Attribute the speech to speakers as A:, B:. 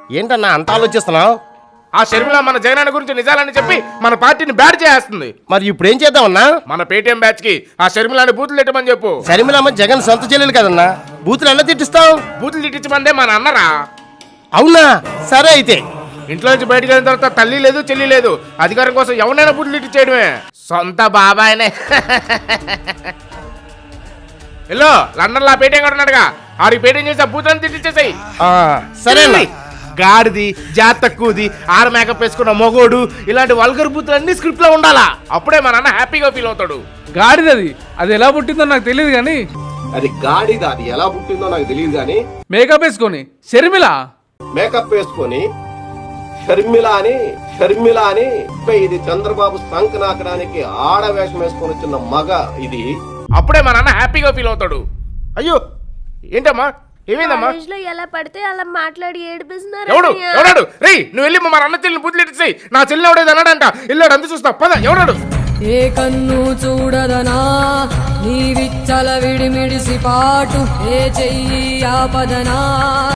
A: ఏంటన్నా అంత ఆలోచిస్తున్నావు?
B: ఆ షర్మిల మన జగనన్న గురించి నిజాలని చెప్పి మన పార్టీని బ్యాడ్ చేస్తుంది.
A: మరి ఇప్పుడు ఏం చేద్దామన్నా?
B: మన పేటీఎం బ్యాచ్ కి ఆ షర్మిలని బూతులు తిట్టమని చెప్పు.
A: షర్మిలమ్మ జగన్ సొంత చెల్లెలు కదన్నా, బూతులు ఎలా తిట్టిస్తావు?
B: బూతులు తిట్టించమందే మన అన్నరా.
A: అవునా? సరే అయితే.
B: ఇంట్లో నుంచి బయటకు వెళ్ళిన తర్వాత తల్లి లేదు చెల్లి లేదు, అధికారం కోసం ఎవరైనా బూతులు తిట్టించేయడమే. సొంత బాబాయనే. హలో లండన్ లా పేటీఎం కూడా ఉన్నాడుగా, ఆడికి పేటీఎం చేసి ఆ బూతులను తిట్టించేసాయి.
A: సరే
B: గాడిది, జాతి తక్కువది, ఆరు మేకప్ వేసుకున్న మొగోడు, ఇలాంటి వల్గర్ బూతులన్నీ స్క్రిప్ట్ లో ఉండాలా. అప్పుడే మా నాన్న హ్యాపీగా ఫీల్ అవుతాడు.
C: గాడిదది, అది ఎలా పుట్టిందో నాకు తెలియదు కానీ
D: అది గాడిద, అది ఎలా పుట్టిందో నాకు తెలియదు కానీ
C: మేకప్ వేసుకొని షర్మిల
D: మేకప్ వేసుకొని షర్మిల అని ఇది చంద్రబాబు సంక నాకడానికి ఆడవేషం వేసుకొని వచ్చిన మగ ఇది.
B: అప్పుడే మా నాన్న హ్యాపీగా ఫీల్ అవుతాడు. అయ్యో ఏంటమ్మా, ఏమైందమ్మా?
E: ఎలా పడితే అలా మాట్లాడి ఏడిపిస్తున్నారు.
B: ఎవడాడు? రేయ్ నువ్వు వెళ్ళి మా అన్న చెల్లిని బూతులు ఇచ్చేయి. నా చెల్లి ఎవడేది అన్నాడంట, వెళ్ళాడు అంత చూస్తా పద. ఎవడాడు?
F: ఏ కన్ను చూడదనా నీ విచ్చల విడిమిడిసి పాటు, ఏ చెయ్యి ఆపదనా